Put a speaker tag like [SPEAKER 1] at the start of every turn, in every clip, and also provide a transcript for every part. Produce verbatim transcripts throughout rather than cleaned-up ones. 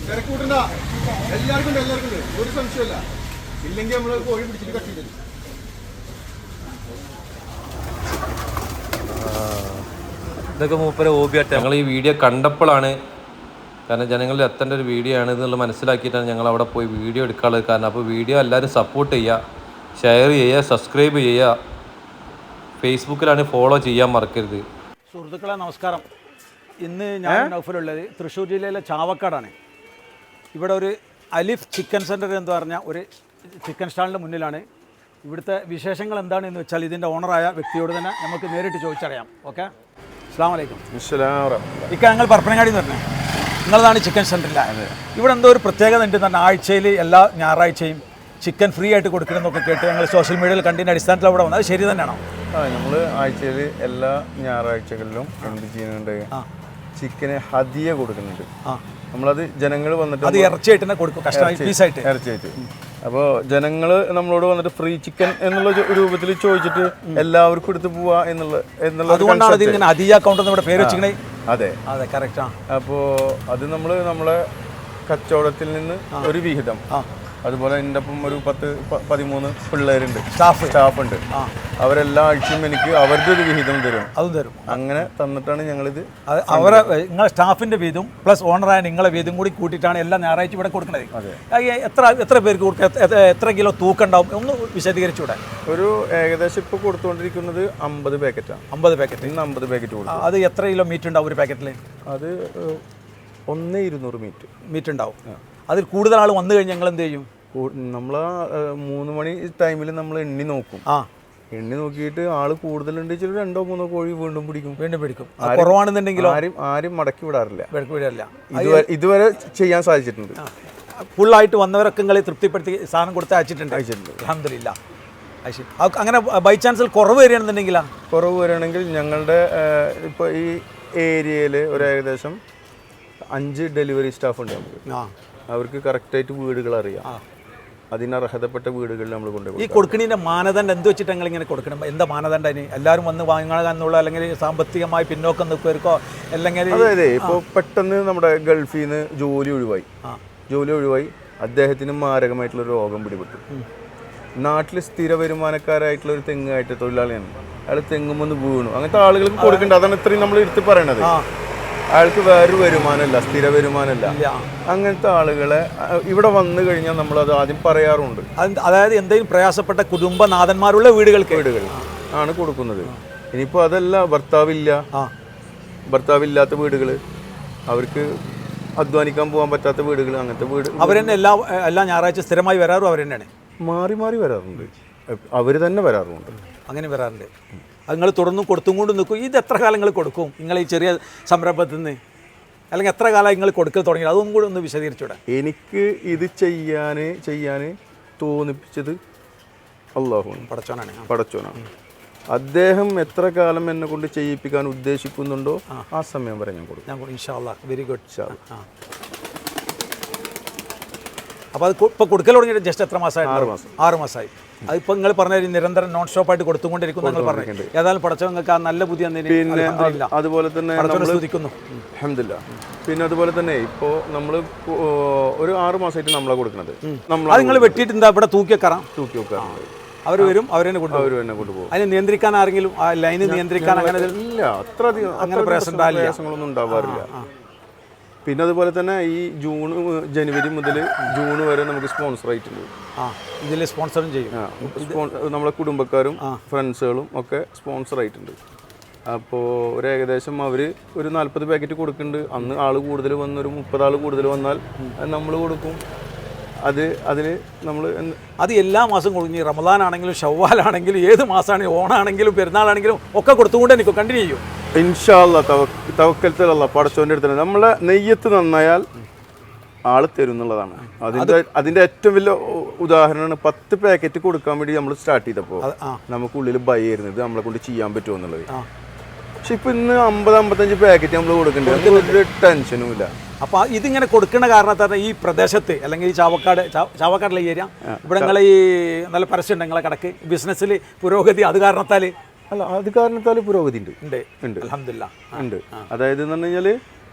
[SPEAKER 1] എല്ലാവർക്കും എല്ലാവർക്കും ഒരു സംശയമല്ല. ഇല്ലെങ്കിൽ നമ്മൾ കോഴി പിടിച്ചിട്ട് കട്ട് ചെയ്തു.
[SPEAKER 2] ഇതൊക്കെ മൂപ്പര ഹോബിയായിട്ട് ഞങ്ങൾ ഈ വീഡിയോ കണ്ടപ്പോഴാണ്, കാരണം ജനങ്ങളിൽ എത്തേണ്ട ഒരു വീഡിയോ ആണ് എന്നുള്ളത് മനസ്സിലാക്കിയിട്ടാണ് ഞങ്ങൾ അവിടെ പോയി വീഡിയോ എടുക്കാനുള്ളത്. കാരണം അപ്പോൾ വീഡിയോ എല്ലാവരും സപ്പോർട്ട് ചെയ്യുക, ഷെയർ ചെയ്യുക, സബ്സ്ക്രൈബ് ചെയ്യുക, ഫേസ്ബുക്കിലാണ് ഫോളോ ചെയ്യാൻ മറക്കരുത്.
[SPEAKER 3] സുഹൃത്തുക്കളെ നമസ്കാരം. ഇന്ന് ഞാൻ നൗഫലുള്ളത് തൃശ്ശൂർ ജില്ലയിലെ ചാവക്കാടാണ്. ഇവിടെ ഒരു അലിഫ് ചിക്കൻ സെൻറ്റർ എന്ന് പറഞ്ഞ ഒരു ചിക്കൻ സ്റ്റാളിൻ്റെ മുന്നിലാണ്. ഇവിടുത്തെ വിശേഷങ്ങൾ എന്താണെന്ന് വെച്ചാൽ ഇതിൻ്റെ ഓണറായ വ്യക്തിയോട് തന്നെ നമുക്ക് നേരിട്ട് ചോദിച്ചറിയാം. ഓക്കെ, അസ്സലാമു അലൈക്കും. ഇക്ക ഞങ്ങൾ പരപ്പനങ്ങാടി എന്ന് പറഞ്ഞത് നിങ്ങളതാണ് ചിക്കൻ സെൻറ്ററിലാണ്. ഇവിടെ എന്തോ ഒരു പ്രത്യേകത ഉണ്ട് തന്നെ, ആഴ്ചയിൽ എല്ലാ ഞായറാഴ്ചയും ചിക്കൻ ഫ്രീ ആയിട്ട് കൊടുക്കണമെന്നൊക്കെ കേട്ട് ഞങ്ങൾ സോഷ്യൽ മീഡിയയിൽ കണ്ടതിൻ്റെ അടിസ്ഥാനത്തിൽ അവിടെ വന്നത്. അത് ശരി തന്നെയാണോ?
[SPEAKER 1] ആ, നമ്മൾ ആഴ്ചയിൽ എല്ലാ ഞായറാഴ്ചകളിലും എന്ത് ചെയ്യുന്നുണ്ട്, ചിക്കന് ഹദിയ കൊടുക്കുന്നുണ്ട്. നമ്മളത് ജനങ്ങൾ വന്നിട്ട്
[SPEAKER 3] അത് ഇറച്ചിയായിട്ട് തന്നെ കൊടുക്കും, കസ്റ്റമൈസ് പീസായിട്ട്
[SPEAKER 1] ഇറച്ചിയായിട്ട്. അപ്പോൾ ജനങ്ങൾ നമ്മളോട് വന്നിട്ട് ഫ്രീ ചിക്കൻ എന്നുള്ള രൂപത്തിൽ ചോദിച്ചിട്ട് എല്ലാവർക്കും എടുത്ത് പോവാ എന്നുള്ള എന്നുള്ള
[SPEAKER 3] അതുകൊണ്ടാണ് ഇതിങ്ങനെ ഹദിയ അക്കൗണ്ട് നമ്മുടെ പേര് വെച്ചിങ്ങനെ.
[SPEAKER 1] അതെ
[SPEAKER 3] അതെ, കറക്റ്റാ.
[SPEAKER 1] അപ്പോൾ അത് നമ്മൾ നമ്മളെ കച്ചവടത്തിൽ നിന്ന് ഒരു വിഹിതം, അതുപോലെ എൻ്റെ ഒപ്പം ഒരു പത്ത് പതിമൂന്ന് പിള്ളേരുണ്ട്, സ്റ്റാഫ് സ്റ്റാഫ് ഉണ്ട്. അവരെല്ലാ ആഴ്ചയും എനിക്ക് അവരുടെ ഒരു വിഹിതം തരും. അതും തരും. അങ്ങനെ തന്നിട്ടാണ് ഞങ്ങളിത്
[SPEAKER 3] അവരെ നിങ്ങളെ സ്റ്റാഫിന്റെ വീതും പ്ലസ് ഓണറായ നിങ്ങളെ വീതും കൂടി കൂട്ടിയിട്ടാണ് എല്ലാ ഞായറാഴ്ച ഇവിടെ കൊടുക്കുന്നത്. എത്ര എത്ര പേർക്ക് കൊടുക്കുക, എത്ര കിലോ തൂക്കം ഉണ്ടാവും, ഒന്ന് വിശദീകരിച്ചൂടെ?
[SPEAKER 1] ഒരു ഏകദേശം ഇപ്പോൾ കൊടുത്തുകൊണ്ടിരിക്കുന്നത് അമ്പത് പാക്കറ്റാണ്.
[SPEAKER 3] അമ്പത് പാക്കറ്റ്
[SPEAKER 1] ഇന്ന് അമ്പത് പാക്കറ്റ് കൊടുക്കും.
[SPEAKER 3] അത് എത്ര കിലോ മീറ്റ് ഉണ്ടാവും ഒരു പാക്കറ്റിൽ?
[SPEAKER 1] അത് ഒന്ന് ഇരുന്നൂറ് മീറ്റ്
[SPEAKER 3] മീറ്റ് ഉണ്ടാവും. അതിൽ കൂടുതൽ ആൾ വന്നു കഴിഞ്ഞാൽ ഞങ്ങൾ എന്ത് ചെയ്യും?
[SPEAKER 1] നമ്മൾ മൂന്ന് മണി ടൈമിൽ നമ്മൾ എണ്ണി നോക്കും. ആ, എണ്ണി നോക്കിയിട്ട് ആള് കൂടുതലുണ്ട് വെച്ചാൽ രണ്ടോ മൂന്നോ കോഴി വീണ്ടും പിടിക്കും
[SPEAKER 3] വീണ്ടും പിടിക്കും. കുറവാണെന്നുണ്ടെങ്കിലോ
[SPEAKER 1] ആരും ആരും മടക്കി വിടാറില്ല.
[SPEAKER 3] വിടാറില്ല.
[SPEAKER 1] ഇതുവരെ ചെയ്യാൻ സാധിച്ചിട്ടുണ്ട്.
[SPEAKER 3] ഫുള്ളായിട്ട് വന്നവരൊക്കെ നിങ്ങളെ തൃപ്തിപ്പെടുത്തി സാധനം കൊടുത്ത് അയച്ചിട്ടുണ്ട്. അയച്ചിട്ടുണ്ട്, അൽഹംദുലില്ലാ. അങ്ങനെ ബൈ ചാൻസിൽ കുറവ് വരികയാണെന്നുണ്ടെങ്കിലാ
[SPEAKER 1] കുറവ് വരികയാണെങ്കിൽ ഞങ്ങളുടെ ഇപ്പോൾ ഈ ഏരിയയിൽ ഒരു ഏകദേശം അഞ്ച് ഡെലിവറി സ്റ്റാഫ് ഉണ്ട് നമുക്ക്. അവർക്ക് കറക്റ്റായിട്ട് വീടുകൾ അറിയാം. അതിനർഹതപ്പെട്ട വീടുകളിൽ നമ്മൾ കൊണ്ടുപോകും.
[SPEAKER 3] ഈ കൊടുക്കണീൻ്റെ മാനദണ്ഡം എന്ത് വെച്ചിട്ട് ഞങ്ങൾ ഇങ്ങനെ കൊടുക്കണം? എന്താ മാനദണ്ഡം? അതിന് എല്ലാവരും വന്ന് വാങ്ങാനുള്ള, അല്ലെങ്കിൽ സാമ്പത്തികമായി പിന്നോക്കം നിൽക്കുവർക്കോ, അല്ലെങ്കിൽ
[SPEAKER 1] അതായത് ഇപ്പോൾ പെട്ടെന്ന് നമ്മുടെ ഗൾഫിൽ നിന്ന് ജോലി ഒഴിവായി ജോലി ഒഴിവായി അദ്ദേഹത്തിന് മാരകമായിട്ടുള്ള രോഗം പിടിപെട്ടു. നാട്ടിൽ സ്ഥിര വരുമാനക്കാരായിട്ടുള്ള ഒരു തെങ്ങായിട്ട് തൊഴിലാളിയാണ്. അയാൾ തെങ്ങുമെന്ന് വീണു. അങ്ങനത്തെ ആളുകൾക്ക് കൊടുക്കേണ്ടത്. അതാണ് ഇത്രയും നമ്മൾ എടുത്ത് പറയണത്. അയാൾക്ക് വേറൊരു വരുമാനമല്ല, സ്ഥിര വരുമാനമല്ല. അങ്ങനത്തെ ആളുകളെ ഇവിടെ വന്നു കഴിഞ്ഞാൽ നമ്മളത് ആദ്യം പറയാറുണ്ട്.
[SPEAKER 3] അതായത് എന്തെങ്കിലും പ്രയാസപ്പെട്ട കുടുംബനാഥന്മാരുള്ള വീടുകൾക്ക്
[SPEAKER 1] വീടുകൾ ആണ് കൊടുക്കുന്നത്. ഇനിയിപ്പോൾ അതല്ല, ഭർത്താവില്ല, ഭർത്താവില്ലാത്ത വീടുകൾ, അവർക്ക് അധ്വാനിക്കാൻ പോകാൻ പറ്റാത്ത വീടുകൾ, അങ്ങനത്തെ വീട്
[SPEAKER 3] അവർ തന്നെ എല്ലാ എല്ലാ ഞായറാഴ്ച സ്ഥിരമായി വരാറും അവർ തന്നെയാണ്.
[SPEAKER 1] മാറി മാറി വരാറുണ്ട്, അവർ തന്നെ വരാറുമുണ്ട്.
[SPEAKER 3] അങ്ങനെ വരാറുണ്ട്. അത് നിങ്ങൾ തുടർന്നും കൊടുത്തും കൊണ്ട് നിൽക്കും. ഇത് എത്ര കാലം നിങ്ങൾ കൊടുക്കും നിങ്ങൾ ഈ ചെറിയ സംരംഭത്തിൽ നിന്ന്? അല്ലെങ്കിൽ എത്ര കാലം നിങ്ങൾ കൊടുക്കൽ തുടങ്ങി? അതൊന്നും കൂടി ഒന്ന് വിശദീകരിച്ചൂടെ?
[SPEAKER 1] എനിക്ക് ഇത് ചെയ്യാൻ ചെയ്യാൻ തോന്നിപ്പിച്ചത് അല്ലാഹുവാണ്,
[SPEAKER 3] പടച്ചോനാണ്
[SPEAKER 1] പടച്ചോനാണ്. അദ്ദേഹം എത്ര കാലം എന്നെ കൊണ്ട് ചെയ്യിപ്പിക്കാൻ ഉദ്ദേശിക്കുന്നുണ്ടോ ആ സമയം വരെ ഞാൻ കൊടുക്കും.
[SPEAKER 3] ഞാൻ ഇൻഷാ അല്ലാഹ്. Very good. ആ, അപ്പോൾ അത് ഇപ്പോൾ കൊടുക്കൽ തുടങ്ങിയിട്ട് ജസ്റ്റ് എത്ര മാസമായി?
[SPEAKER 1] ആറ് മാസം
[SPEAKER 3] ആറ് മാസമായി. അതിപ്പോൾ നിങ്ങൾ പറഞ്ഞ നിരന്തരം നോൺ സ്റ്റോപ്പായിട്ട് കൊടുത്തുകൊണ്ടിരിക്കും നിങ്ങൾ പറഞ്ഞു. ഏതായാലും പടച്ചവൻ നിങ്ങൾക്ക് ആ നല്ല ബുദ്ധി
[SPEAKER 1] പിന്നെ അതുപോലെ തന്നെ
[SPEAKER 3] ശ്രദ്ധിക്കുന്നു.
[SPEAKER 1] അൽഹംദുലില്ലാ. പിന്നെ അതുപോലെ തന്നെ ഇപ്പോൾ നമ്മൾ ഒരു ആറ് മാസമായിട്ട് നമ്മളെ കൊടുക്കുന്നത്.
[SPEAKER 3] അത് നിങ്ങൾ വെട്ടിയിട്ട് എന്താ ഇവിടെ തൂക്കി വെക്കാറാം?
[SPEAKER 1] തൂക്കി വെക്കാറാം.
[SPEAKER 3] അവർ വരും, അവർ തന്നെ കൊണ്ടുപോകും.
[SPEAKER 1] അവർ തന്നെ കൊണ്ടുപോകും.
[SPEAKER 3] അതിനെ നിയന്ത്രിക്കാൻ ആരെങ്കിലും, ആ ലൈന് നിയന്ത്രിക്കാൻ അങ്ങനെ
[SPEAKER 1] ഇല്ല, അത്ര അധികം അങ്ങനെ പ്രയാസങ്ങളൊന്നും ഉണ്ടാവാറില്ല. പിന്നെ അതുപോലെ തന്നെ ഈ ജൂൺ ജനുവരി മുതൽ ജൂൺ വരെ നമുക്ക് സ്പോൺസർ ആയിട്ടുണ്ട്.
[SPEAKER 3] ആ, ഇതിൽ സ്പോൺസറും ചെയ്യും.
[SPEAKER 1] നമ്മളെ കുടുംബക്കാരും ഫ്രണ്ട്സുകളും ഒക്കെ സ്പോൺസർ ആയിട്ടുണ്ട്. അപ്പോൾ ഒരു ഏകദേശം അവർ ഒരു നാൽപ്പത് പാക്കറ്റ് കൊടുക്കുന്നുണ്ട്. അന്ന് ആൾ കൂടുതൽ വന്ന് ഒരു മുപ്പത് ആൾ കൂടുതൽ വന്നാൽ നമ്മൾ കൊടുക്കും. അത് അതിൽ നമ്മൾ
[SPEAKER 3] അത് എല്ലാ മാസം കൊടുക്കും. റമദാൻ ആണെങ്കിലും ഷവ്വാലാണെങ്കിലും ഏത് മാസമാണെങ്കിലും ഓണാണെങ്കിലും പെരുന്നാളാണെങ്കിലും ഒക്കെ കൊടുത്തുകൊണ്ട് എനിക്ക് കണ്ടിന്യൂ ചെയ്യും.
[SPEAKER 1] ഇൻഷാ അല്ലാഹ്. തവക്കൽത്തുൽ അല്ലാഹ്, പടച്ചോൻ്റെ അടുത്ത് നമ്മളെ നെയ്യത്ത് നന്നായാൽ ആള് തരും എന്നുള്ളതാണ്. അതിൻ്റെ അതിൻ്റെ ഏറ്റവും വലിയ ഉദാഹരണമാണ് പത്ത് പാക്കറ്റ് കൊടുക്കാൻ വേണ്ടി നമ്മൾ സ്റ്റാർട്ട് ചെയ്തപ്പോൾ നമുക്കുള്ളിൽ ഭയമായിരുന്നത് നമ്മളെ കൊണ്ട് ചെയ്യാൻ പറ്റുമോ എന്നുള്ളത്. പക്ഷെ ഇപ്പം ഇന്ന് അമ്പത് അമ്പത്തഞ്ച് പാക്കറ്റ് നമ്മൾ കൊടുക്കേണ്ടത് ഒരു ടെൻഷനും ഇല്ല.
[SPEAKER 3] അപ്പോൾ ഇതിങ്ങനെ കൊടുക്കുന്ന കാരണത്താൽ ഈ പ്രദേശത്ത് അല്ലെങ്കിൽ ഈ ചാവക്കാട് ചാവക്കാടുള്ള ഏരിയ ഇവിടെ നിങ്ങളെ ഈ നല്ല പരസ്യം ഉണ്ട് നിങ്ങളെ കടക്ക് ബിസിനസ്സിൽ പുരോഗതി അത് കാരണത്താൽ
[SPEAKER 1] അല്ല അത് കാരണത്താൽ പുരോഗതി ഉണ്ട്
[SPEAKER 3] ഉണ്ട്
[SPEAKER 1] ഉണ്ട്
[SPEAKER 3] അൽഹംദുലില്ലാ
[SPEAKER 1] ഉണ്ട്. അതായത് എന്ന് പറഞ്ഞു കഴിഞ്ഞാൽ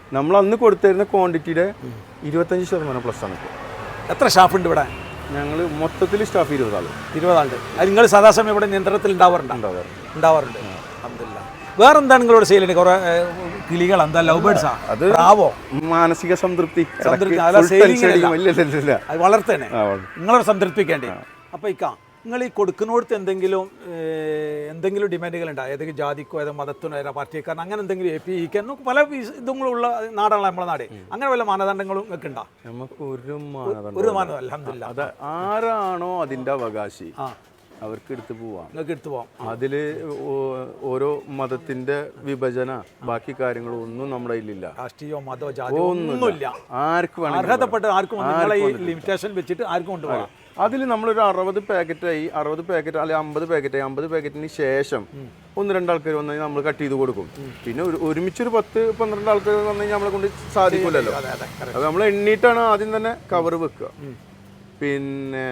[SPEAKER 1] നമ്മൾ അന്ന് കൊടുത്തിരുന്ന ക്വാണ്ടിറ്റിയുടെ ഇരുപത്തഞ്ച് ശതമാനം പ്ലസ് ആണ് ഇപ്പോൾ.
[SPEAKER 3] എത്ര സ്റ്റാഫ് ഉണ്ട് ഇവിടെ?
[SPEAKER 1] ഞങ്ങൾ മൊത്തത്തിൽ സ്റ്റാഫ് ഇരുപതാൾ
[SPEAKER 3] ഇരുപതാളുണ്ട്. അത് നിങ്ങൾ സദാസമയം ഇവിടെ നിയന്ത്രണത്തിൽ ഉണ്ടാവാറുണ്ട്?
[SPEAKER 1] ഉണ്ടാവാറ്
[SPEAKER 3] ഉണ്ടാവാറുണ്ട്. അൽഹംദുലില്ലാ. വേറെ എന്താണ് നിങ്ങളോട് സെയിൽ ചെയ്യുന്നത്? കുറെ കിളികൾ, എന്താ ലവ് ബേർഡ്സാ?
[SPEAKER 1] അത്
[SPEAKER 3] പ്രാവോ?
[SPEAKER 1] മാനസിക സംതൃപ്തി
[SPEAKER 3] സംതൃപ്തി. അല്ല, സെയിലിംഗ് അല്ല.
[SPEAKER 1] ഇല്ല ഇല്ല ഇല്ല
[SPEAKER 3] അത് വളർത്തേനെ
[SPEAKER 1] ആ,
[SPEAKER 3] നിങ്ങളോട് സംതൃപ്തിക്കേണ്ടി. അപ്പോൾ ഇക്ക നിങ്ങൾ ഈ കൊടുക്കുന്നിടത്ത് എന്തെങ്കിലും ഏഹ്, എന്തെങ്കിലും ഡിമാൻഡുകൾ ഉണ്ടാകും? ഏതെങ്കിലും ജാതിക്കോ ഏതോ മതത്തിനോ ഏതോ പാർട്ടിക്കാരൻ അങ്ങനെ എന്തെങ്കിലും എ പി ഇക്കാൻ പല ഇതുങ്ങളുള്ള നാടാണല്ലോ നമ്മളെ നാട്. അങ്ങനെ വല്ല മാനദണ്ഡങ്ങളും നിങ്ങൾക്ക് ഉണ്ടോ?
[SPEAKER 1] നമുക്ക് ഒരു മാനദണ്ഡം
[SPEAKER 3] ഒരു മാനദണ്ഡം അൽഹംദുലില്ലാ.
[SPEAKER 1] അത് ആരാണോ അതിന്റെ അവകാശി അവർക്ക് എടുത്തു പോവാം.
[SPEAKER 3] നിങ്ങൾക്ക് എടുത്തു പോവാം.
[SPEAKER 1] അതില് ഓ- ഓരോ മതത്തിന്റെ വിഭജന ബാക്കി കാര്യങ്ങളും ഒന്നും നമ്മുടെ കയ്യിലില്ല.
[SPEAKER 3] രാഷ്ട്രീയമോ മതമോ ജാതിയോ ഒന്നുമില്ല.
[SPEAKER 1] ആർക്ക് വേണമെങ്കിലും
[SPEAKER 3] അർഹതപ്പെട്ട് ആർക്കും നിങ്ങളെ ഈ ലിമിറ്റേഷൻ വെച്ചിട്ട് ആർക്കും കൊണ്ടുപോകാം.
[SPEAKER 1] അതിൽ നമ്മളൊരു അറുപത് പാക്കറ്റായി അറുപത് പാക്കറ്റ് അല്ലെങ്കിൽ അമ്പത് പാക്കറ്റായി അമ്പത് പാക്കറ്റിന് ശേഷം ഒന്ന് രണ്ടാൾക്കാർ വന്നു കഴിഞ്ഞാൽ നമ്മൾ കട്ട് ചെയ്ത് കൊടുക്കും. പിന്നെ ഒരു ഒരുമിച്ചൊരു പത്ത് പന്ത്രണ്ട് ആൾക്കാർ വന്നു കഴിഞ്ഞാൽ നമ്മളെ കൊണ്ട് സാധിക്കില്ലല്ലോ. അത് നമ്മൾ എണ്ണീട്ടാണ് ആദ്യം തന്നെ കവർ വെക്കുക. പിന്നെ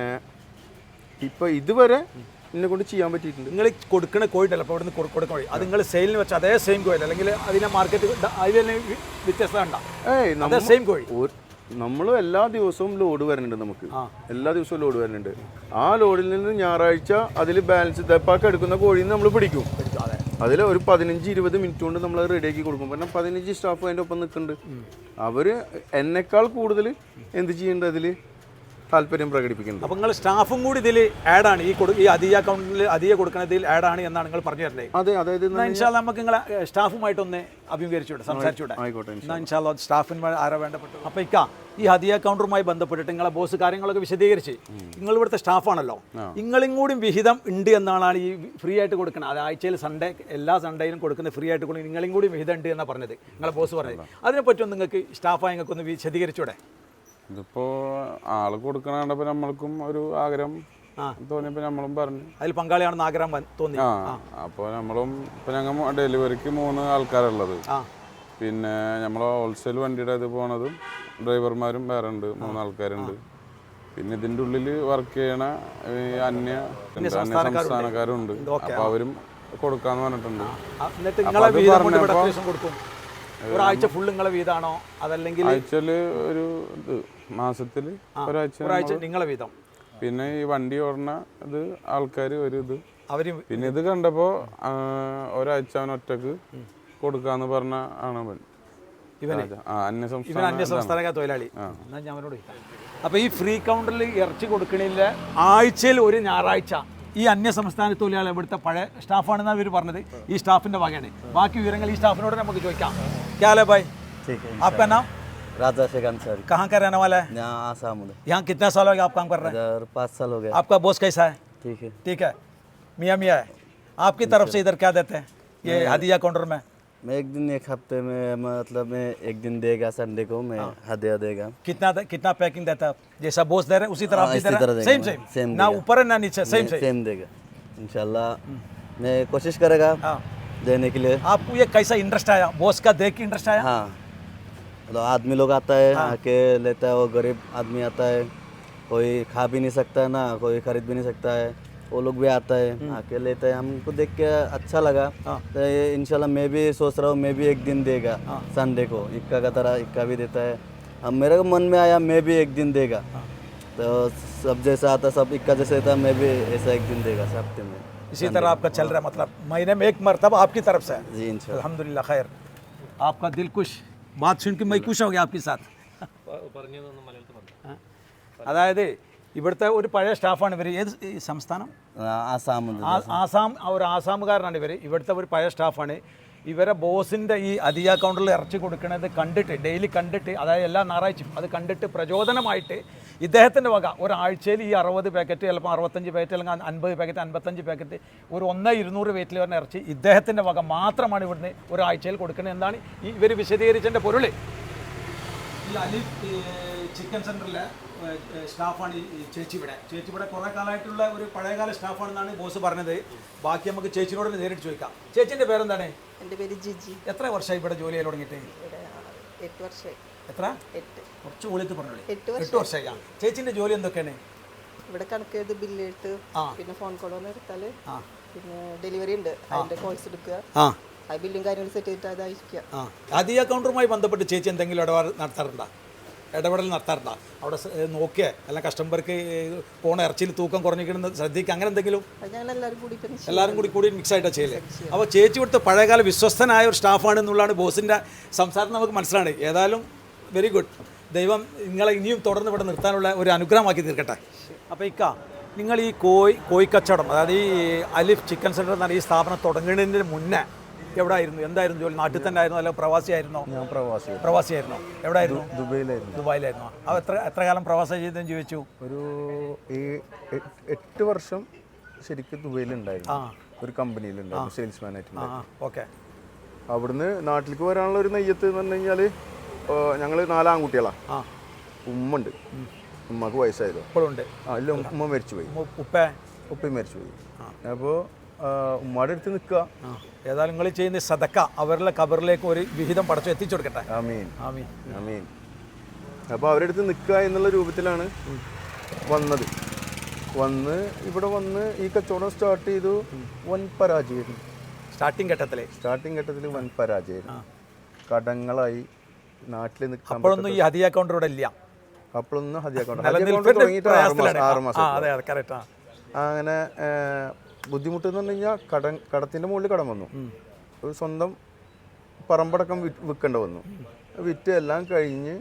[SPEAKER 1] ഇപ്പൊ ഇതുവരെ എന്നെ കൊണ്ട് ചെയ്യാൻ പറ്റിയിട്ടുണ്ട്.
[SPEAKER 3] നിങ്ങൾ കൊടുക്കുന്ന കോഴിട്ടല്ല അപ്പോൾ ഇവിടുന്ന് കൊടുക്കുന്ന കോഴി അത് നിങ്ങൾ സെയിലിന് വെച്ച അതേ സെയിം കോഴി അല്ലെങ്കിൽ അതിനെ മാർക്കറ്റ് അതിൽ തന്നെ വ്യത്യസ്തത ഉണ്ടാവും?
[SPEAKER 1] ഏയ്
[SPEAKER 3] അതേ സെയിം കോഴി.
[SPEAKER 1] നമ്മൾ എല്ലാ ദിവസവും ലോഡ് വരുന്നുണ്ട്. നമുക്ക് എല്ലാ ദിവസവും ലോഡ് വരുന്നുണ്ട്. ആ ലോഡിൽ നിന്ന് ഞായറാഴ്ച അതിൽ ബാലൻസ് തെപ്പാക്ക് എടുക്കുന്ന കോഴിയിൽ നിന്ന് നമ്മൾ പിടിക്കും. അതിൽ ഒരു പതിനഞ്ച് ഇരുപത് മിനിറ്റ് കൊണ്ട് നമ്മൾ റെഡിയാക്കി കൊടുക്കും. കാരണം പതിനഞ്ച് സ്റ്റാഫ് അതിൻ്റെ ഒപ്പം നിൽക്കുന്നുണ്ട്. അവർ എന്നെക്കാൾ കൂടുതൽ എന്ത് ചെയ്യേണ്ടത് അതിൽ താല്പര്യം പ്രകടിപ്പിക്കുന്നുണ്ട്.
[SPEAKER 3] അപ്പോൾ നിങ്ങൾ സ്റ്റാഫും കൂടി ഇതിൽ ആഡാണ് ഈ കൊടു ഈ അധിക അക്കൗണ്ടിൽ അധിക കൊടുക്കുന്നതിൽ ആഡാണ് എന്നാണ് നിങ്ങൾ പറഞ്ഞു തരുന്നത്.
[SPEAKER 1] അതെ, അതായത്
[SPEAKER 3] ഇൻഷാല്ലാ നമുക്ക് നിങ്ങളെ സ്റ്റാഫുമായിട്ടൊന്ന് അഭിമുഖീകരിച്ചുകൂടെ സംസാരിച്ചുകൂടെ?
[SPEAKER 1] ആയിക്കോട്ടെ.
[SPEAKER 3] ഇൻഷാല്ലാ സ്റ്റാഫിന് ആരാ വേണ്ടപ്പെട്ടു. അപ്പോൾ ഇക്ക ഈ ഹദിയ കൗണ്ടറുമായി ബന്ധപ്പെട്ടിട്ട് നിങ്ങളെ ബോസ് കാര്യങ്ങളൊക്കെ വിശദീകരിച്ച് നിങ്ങൾ ഇവിടുത്തെ സ്റ്റാഫാണല്ലോ, നിങ്ങളും കൂടി വിഹിതം ഉണ്ട് എന്നാണ് ഈ ഫ്രീ ആയിട്ട് കൊടുക്കുന്നത്. അത് ആഴ്ചയിൽ സൺഡേ എല്ലാ സൺഡേയിലും കൊടുക്കുന്ന ഫ്രീ ആയിട്ട് കൊടുക്കുന്നത് നിങ്ങളും കൂടി വിഹിതം ഉണ്ട് എന്നാണ് പറഞ്ഞത് നിങ്ങളെ ബോസ് പറഞ്ഞത്. അതിനെപ്പറ്റി ഒന്ന് നിങ്ങൾക്ക് സ്റ്റാഫായി നിങ്ങൾക്ക് ഒന്ന് വിശദീകരിച്ചൂടെ?
[SPEAKER 4] ഇതിപ്പോ ആള് കൊടുക്കണ കണ്ടപ്പോ നമ്മൾക്കും ഒരു ആഗ്രഹം തോന്നിയപ്പോ നമ്മളും പറഞ്ഞു
[SPEAKER 3] അതിൽ പങ്കാളിയാണെന്ന് ആഗ്രഹം തോന്നി.
[SPEAKER 4] ആ അപ്പോൾ നമ്മളും ഇപ്പൊ ഞങ്ങൾ ഡെലിവറിക്ക് മൂന്ന് ആൾക്കാരുള്ളത്. പിന്നെ നമ്മളെ ഹോൾസെയിൽ വണ്ടിയുടെ ഇത് പോണതും ഡ്രൈവർമാരും വേറെ ഉണ്ട്, മൂന്ന് ആൾക്കാരുണ്ട്. പിന്നെ ഇതിന്റെ ഉള്ളിൽ വർക്ക് ചെയ്യണ അന്യ അന്യ സംസ്ഥാനക്കാരും ഉണ്ട്. അപ്പൊ അവരും കൊടുക്കാന്ന് പറഞ്ഞിട്ടുണ്ട്.
[SPEAKER 3] എന്നിട്ട് നിങ്ങളെ വീതം കൊണ്ട് ഇവിടെ എത്ര ദിവസം കൊടുക്കും? ഒരാഴ്ച ഫുള്ള് നിങ്ങളെ വീതാണോ അതല്ലെങ്കിൽ
[SPEAKER 4] ആഴ്ചയില് ഒരു ഇത് മാസത്തില് ഒരാഴ്ച
[SPEAKER 3] ഒരാഴ്ച നിങ്ങളെ വീതം?
[SPEAKER 4] പിന്നെ ഈ വണ്ടി ഓടണ ഇത് ആൾക്കാർ ഒരു ഇത്
[SPEAKER 3] അവര്
[SPEAKER 4] പിന്നെ ഇത് കണ്ടപ്പോ ഒരാഴ്ച അവൻ ഒറ്റക്ക് കൊടുക്കാന്ന് പറഞ്ഞ ആണ് അവൻ
[SPEAKER 3] ഇവന്
[SPEAKER 4] അന്യ
[SPEAKER 3] ഇവൻ അന്യ സംസ്ഥാന തൊഴിലാളി. എന്നാ ഞാൻ അവനോട് അപ്പൊ ഈ ഫ്രീ കൗണ്ടറിൽ ഇറച്ചി കൊടുക്കണില്ല ആഴ്ചയിൽ ഒരു ഞായറാഴ്ച ഈ അന്യ സംസ്ഥാന തൊഴിലാളി ഇവിടുത്തെ പഴയ സ്റ്റാഫാണെന്നാണ് ഇവർ പറഞ്ഞത്. ഈ സ്റ്റാഫിന്റെ വകയാണ്. ബാക്കി വിവരങ്ങൾ ഈ സ്റ്റാഫിനോട് നമുക്ക് ചോദിക്കാം. ക്യാ ഭായ് आपका नाम?
[SPEAKER 5] राजा शेख अंसारी।
[SPEAKER 3] कहाँ का रहने वाला है?
[SPEAKER 5] यहाँ आसाम में।
[SPEAKER 3] यहाँ कितना साल हो गया आप काम कर रहे हैं?
[SPEAKER 5] इधर पाँच साल हो गया।
[SPEAKER 3] आपका बॉस कैसा है?
[SPEAKER 5] ठीक है।
[SPEAKER 3] ठीक है, मियाँ मियाँ है। आपकी तरफ से इधर क्या देते हैं ये हदिया काउंटर में?
[SPEAKER 5] मैं एक दिन एक हफ्ते में मतलब मैं एक दिन देगा संडे को मैं हदिया देगा।
[SPEAKER 3] कितना कितना पैकिंग देता है? जैसा बॉस दे रहे हैं उसी तरह आप भी दे रहे हैं? सेम सेम
[SPEAKER 5] सेम
[SPEAKER 3] ना ऊपर है ना नीचे? सेम सेम
[SPEAKER 5] सेम देगा इंशाल्लाह। मैं कोशिश करेगा देने के लिए।
[SPEAKER 3] आपको ये कैसा इंटरेस्ट आया? बॉस का देख के इंटरेस्ट आया?
[SPEAKER 5] हाँ, मतलब आदमी लोग आता है आके लेता है। वो गरीब आदमी आता है, कोई खा भी नहीं सकता है ना कोई खरीद भी नहीं सकता है, वो लोग भी आता है आके लेता है। हमको देख के अच्छा लगा तो इंशाल्लाह मैं भी सोच रहा हूँ मैं भी एक दिन देगा संडे को इक्का का तरह इक्का भी देता है। अब मेरे को मन में आया मैं भी एक दिन देगा, तो सब जैसा आता सब इक्का जैसा था मैं भी ऐसा एक दिन देगा हफ्ते में।
[SPEAKER 3] इसी तरह आपका चल रहा है, मतलब महीने में एक मरतबा आपकी तरफ से?
[SPEAKER 5] जी इंशाल्लाह।
[SPEAKER 3] अल्हम्दुलिल्लाह खैर। आपका दिल खुश, बात सुन के मैं खुश हो गया आपके साथ. അതായത് ഇവിടുത്തെ ഒരു പഴയ സ്റ്റാഫാണ് ഇവർ. ഏത് സംസ്ഥാനം?
[SPEAKER 5] ആസാം.
[SPEAKER 3] ആസാം. ഒരു ആസാമുകാരനാണ് ഇവർ. ഇവിടുത്തെ ഒരു പഴയ സ്റ്റാഫാണ്. ഇവരെ ബോസിൻ്റെ ഈ അദിയ കൗണ്ടറിൽ ഇറച്ചി കൊടുക്കുന്നത് കണ്ടിട്ട് ഡെയിലി കണ്ടിട്ട് അതായത് എല്ലാ ഞായറാഴ്ചയും അത് കണ്ടിട്ട് പ്രചോദനമായിട്ട് ഇദ്ദേഹത്തിൻ്റെ വക ഒരാഴ്ചയിൽ ഈ അറുപത് പാക്കറ്റ് ചിലപ്പോൾ അറുപത്തഞ്ച് പാക്കറ്റ് അല്ലെങ്കിൽ അൻപത് പാക്കറ്റ് അൻപത്തഞ്ച് പാക്കറ്റ് ഒരു ഒന്ന് ഇരുന്നൂറ് വെയിറ്റിൽ വരുന്ന ഇറച്ചി ഇദ്ദേഹത്തിൻ്റെ വക മാത്രമാണ് ഇവിടുന്ന് ഒരാഴ്ചയിൽ കൊടുക്കുന്നത് എന്നാണ് ഈ ഇവർ വിശദീകരിച്ചതിൻ്റെ പൊരുൾ. ഈ അലിഫ് ചിക്കൻ സെൻറ്ററിലെ സ്റ്റാഫാണ് ഈ ചേച്ചി ഇവിടെ. ചേച്ചി ഇവിടെ കുറേ കാലമായിട്ടുള്ള ഒരു പഴയകാല സ്റ്റാഫാണെന്നാണ് ബോസ് പറഞ്ഞത്. ബാക്കി നമുക്ക് ചേച്ചിനോട് നേരിട്ട് ചോദിക്കാം. ചേച്ചിൻ്റെ പേരെന്താണ്?
[SPEAKER 6] എൻ്റെ പേര് ജിജി.
[SPEAKER 3] എത്ര വർഷമായി ഇവിടെ ജോലി ചെയ്യാൻ തുടങ്ങിയിട്ട്?
[SPEAKER 6] എട്ട് വർഷമായി.
[SPEAKER 3] എത്ര?
[SPEAKER 6] എട്ട്.
[SPEAKER 3] കുറച്ച് വിളിച്ച് പറഞ്ഞോളൂ.
[SPEAKER 6] എട്ട്
[SPEAKER 3] എട്ട് വർഷമായി. ആ ചേച്ചിൻ്റെ ജോലി എന്തൊക്കെയാണ്?
[SPEAKER 6] ഇവിടെ കണക്ക് എഴുതി ബില്ലെഴുത്ത്, പിന്നെ ഫോൺ കോൾ വന്ന് എടുത്താൽ, പിന്നെ ഡെലിവറി ഉണ്ട് അതിൻ്റെ കോൾസ് എടുക്കുക, ആ ബില്ലും കാര്യങ്ങളും സെറ്റ് ചെയ്തിട്ട് അതായിരിക്കാം.
[SPEAKER 3] ആ ആദ്യ കൗണ്ടറുമായി ബന്ധപ്പെട്ട് ചേച്ചി എന്തെങ്കിലും ഇടപാട് നടത്താറുണ്ടോ? ഇടപെടൽ നടത്താറുണ്ടോ? അവിടെ സ- ഏ, നോക്കിയേ അല്ല കസ്റ്റമർക്ക് പോണ ഇറച്ചിയിൽ തൂക്കം കുറഞ്ഞിരിക്കണമെന്ന് ശ്രദ്ധിക്കുക, അങ്ങനെ എന്തെങ്കിലും
[SPEAKER 6] അത് ഞങ്ങൾ എല്ലാവരും കൂടി ഇപ്പം ചെയ്യും.
[SPEAKER 3] എല്ലാവരും കൂടി കൂടി മിക്സ് ആയിട്ടാണ് ചെയ്യലേ? അപ്പോൾ ചേച്ചി ഇവിടുത്തെ പഴയകാല വിശ്വസ്തനായ ഒരു സ്റ്റാഫാണ് എന്നുള്ളതാണ് ബോസിൻ്റെ സംസാരം നമുക്ക് മനസ്സിലാണ്. ഏതായാലും വെരി ഗുഡ്. ദൈവം നിങ്ങളെ ഇനിയും തുടർന്ന് ഇവിടെ നിർത്താനുള്ള ഒരു അനുഗ്രഹമാക്കി തീർക്കട്ടെ. അപ്പോൾ ഇക്ക, നിങ്ങൾ ഈ കോഴി കോഴിക്കച്ചവടം, അതായത് ഈ അലിഫ് ചിക്കൻ സെൻറ്റർ എന്ന ഈ സ്ഥാപനം തുടങ്ങുന്നതിന് മുന്നേ എവിടെ ആയിരുന്നു? എന്തായിരുന്നു ജോലി? നാട്ടിൽ തന്നെ ആയിരുന്നു അല്ല പ്രവാസിയായിരുന്നോ?
[SPEAKER 1] ഞാൻ പ്രവാസി
[SPEAKER 3] പ്രവാസിയായിരുന്നോ? എവിടെ ആയിരുന്നു?
[SPEAKER 1] ദുബൈയിലായിരുന്നു.
[SPEAKER 3] ദുബായിലായിരുന്നു. അപ്പോൾ എത്ര എത്ര കാലം പ്രവാസം ചെയ്തെന്ന് ചോദിച്ചു?
[SPEAKER 1] ഒരു ഏ- എ- എട്ട് വർഷം ശരിക്കും ദുബൈയിലുണ്ടായിരുന്നു. ഒരു കമ്പനിയിലുണ്ടായിരുന്നു സെയിൽസ്മാനായിട്ട്.
[SPEAKER 3] ആ ഓക്കെ.
[SPEAKER 1] അവിടുന്ന് നാട്ടിലേക്ക് വരാനുള്ള ഒരു നെയ്യത്ത് എന്ന് പറഞ്ഞു കഴിഞ്ഞാൽ ഞങ്ങൾ നാലാൺകുട്ടികളാണ്.
[SPEAKER 3] ആ
[SPEAKER 1] ഉമ്മ ഉണ്ട്, ഉമ്മക്ക് വയസ്സായതോ.
[SPEAKER 3] ഇപ്പോഴും ഉണ്ട്.
[SPEAKER 1] ആ ഇല്ല, ഉമ്മ മരിച്ചുപോയി,
[SPEAKER 3] ഉപ്പ
[SPEAKER 1] ഉപ്പയും മരിച്ചുപോയി. അപ്പോൾ ഉമ്മയുടെ അടുത്ത് നിൽക്കുക.
[SPEAKER 3] ആ ഏതായാലും നിങ്ങൾ ചെയ്യുന്ന സദക്ക അവരുടെ കബറിലേക്ക് ഒരു വിഹിതം പടച്ചു എത്തിച്ചു കൊടുക്കട്ടെ.
[SPEAKER 1] ആമീൻ
[SPEAKER 3] ആമീൻ.
[SPEAKER 1] ആമീൻ. അപ്പോൾ അവരുടെ അടുത്ത് നിൽക്കുക എന്നുള്ള രൂപത്തിലാണ് വന്നത്. വന്ന് ഇവിടെ വന്ന് ഈ കച്ചവടം സ്റ്റാർട്ട് ചെയ്തു. വൻ പരാജയമായിരുന്നു
[SPEAKER 3] സ്റ്റാർട്ടിങ് ഘട്ടത്തിലെ
[SPEAKER 1] സ്റ്റാർട്ടിങ് ഘട്ടത്തിൽ വൻ പരാജയമായിരുന്നു. കടങ്ങളായി നാട്ടിൽ നിൽക്കാൻ
[SPEAKER 3] അപ്പോഴൊന്നും ഈ ഹദിയ കൗണ്ടർ ഇവിടെ ഇല്ല.
[SPEAKER 1] അപ്പോഴൊന്നും ഹദിയ അക്കൗണ്ട്
[SPEAKER 3] നിലനിൽപ്പിന്റെ
[SPEAKER 1] തുടങ്ങിയിട്ട് ആറ് മാസം
[SPEAKER 3] പ്രയാസത്തിലാണ്.
[SPEAKER 1] ആറ്
[SPEAKER 3] ആ,
[SPEAKER 1] മാസം
[SPEAKER 3] അതെ അതെ കറക്റ്റ്.
[SPEAKER 1] അങ്ങനെ ബുദ്ധിമുട്ട് എന്ന് പറഞ്ഞു കഴിഞ്ഞാൽ കട കടത്തിൻ്റെ മുകളിൽ കടം വന്നു. ഒരു സ്വന്തം പറമ്പടക്കം വി വിൽക്കേണ്ട വന്നു. വിറ്റ് എല്ലാം കഴിഞ്ഞ്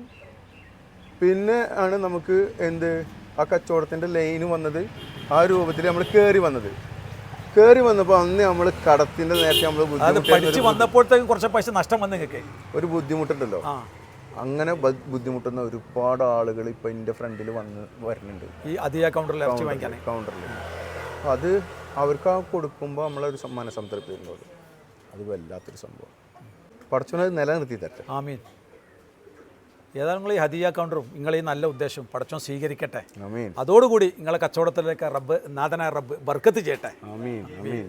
[SPEAKER 1] പിന്നെ ആണ് നമുക്ക് എന്ത് ആ കച്ചവടത്തിൻ്റെ ലൈന് വന്നത്. ആ രൂപത്തിൽ നമ്മൾ കയറി വന്നത്. കയറി വന്നപ്പോൾ അന്ന് നമ്മൾ കടത്തിൻ്റെ നേരത്തെ നമ്മൾ
[SPEAKER 3] അത് പഠിച്ച് വന്നപ്പോഴത്തേക്കും കുറച്ച് പൈസ നഷ്ടം വന്നു നിങ്ങൾക്ക്.
[SPEAKER 1] ഒരു ബുദ്ധിമുട്ടുണ്ടല്ലോ.
[SPEAKER 3] ആ
[SPEAKER 1] അങ്ങനെ ബ- ബുദ്ധിമുട്ടുന്ന ഒരുപാട് ആളുകൾ ഇപ്പം എൻ്റെ ഫ്രണ്ടിൽ വന്ന് വരുന്നുണ്ട്
[SPEAKER 3] ഈ ഹദിയ കൗണ്ടറിൽ ഇറച്ചി വാങ്ങിക്കാൻ.
[SPEAKER 1] കൗണ്ടറിൽ. അത് അവർക്ക് ആ കൊടുക്കുമ്പോൾ നമ്മളൊരു സം- മനസ്സംതൃപ്തി ഉള്ളത് അത് വല്ലാത്തൊരു സംഭവം. പടച്ചോനെ നിലനിർത്തി തരട്ടെ.
[SPEAKER 3] ആമീൻ. ഏതായാലും നിങ്ങൾ ഈ ഹദിയ കൗണ്ടറും നിങ്ങൾ ഈ നല്ല ഉദ്ദേശം പടച്ചോൻ സ്വീകരിക്കട്ടെ.
[SPEAKER 1] ആമീൻ
[SPEAKER 3] അതോടുകൂടി നിങ്ങളെ കച്ചവടത്തിലേക്ക് റബ്ബ് നാഥനായ റബ്ബ് ബർക്കത്ത് ചെയ്യട്ടെ.
[SPEAKER 1] ആമീൻ ആമീൻ.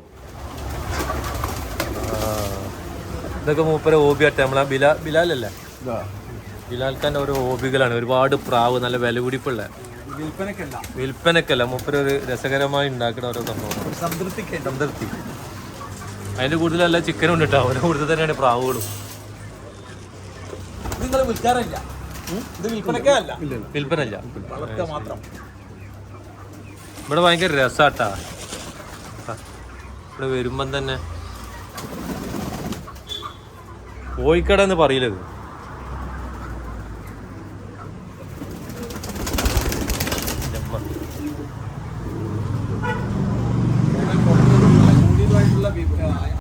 [SPEAKER 2] ഇതൊക്കെ മൂപ്പരെ ഹോബിയാട്ടെ. നമ്മളെ ബിലാ ബിലാലല്ലേ, ബിലാൽക്കാൻ്റെ ഓരോ ഹോബികളാണ്. ഒരുപാട് പ്രാവ്, നല്ല വില പിടിപ്പുള്ള,
[SPEAKER 3] വിൽപ്പനക്കല്ല
[SPEAKER 2] വിൽപ്പനക്കല്ല, മൂപ്പര് ഒരു രസകരമായി ഉണ്ടാക്കുന്ന ഓരോ സംഭവം.
[SPEAKER 3] സംതൃപ്തിക്ക്
[SPEAKER 2] സംതൃപ്തി. അതിൻ്റെ കൂടുതലല്ല ചിക്കനും ഉണ്ട് കേട്ടോ. അവരുടെ കൂടുതൽ തന്നെയാണ് പ്രാവുകളും.
[SPEAKER 3] നിങ്ങൾ വിൽക്കാറില്ല, ഇത് വിൽപ്പനക്കേ അല്ല,
[SPEAKER 2] വിൽപ്പനല്ല,
[SPEAKER 3] വളർത്തുക മാത്രം.
[SPEAKER 2] ഇവിടെ ഭയങ്കര രസാട്ടാ. ഇവിടെ വരുമ്പം തന്നെ കോഴിക്കട എന്ന് പറയില്ലത്.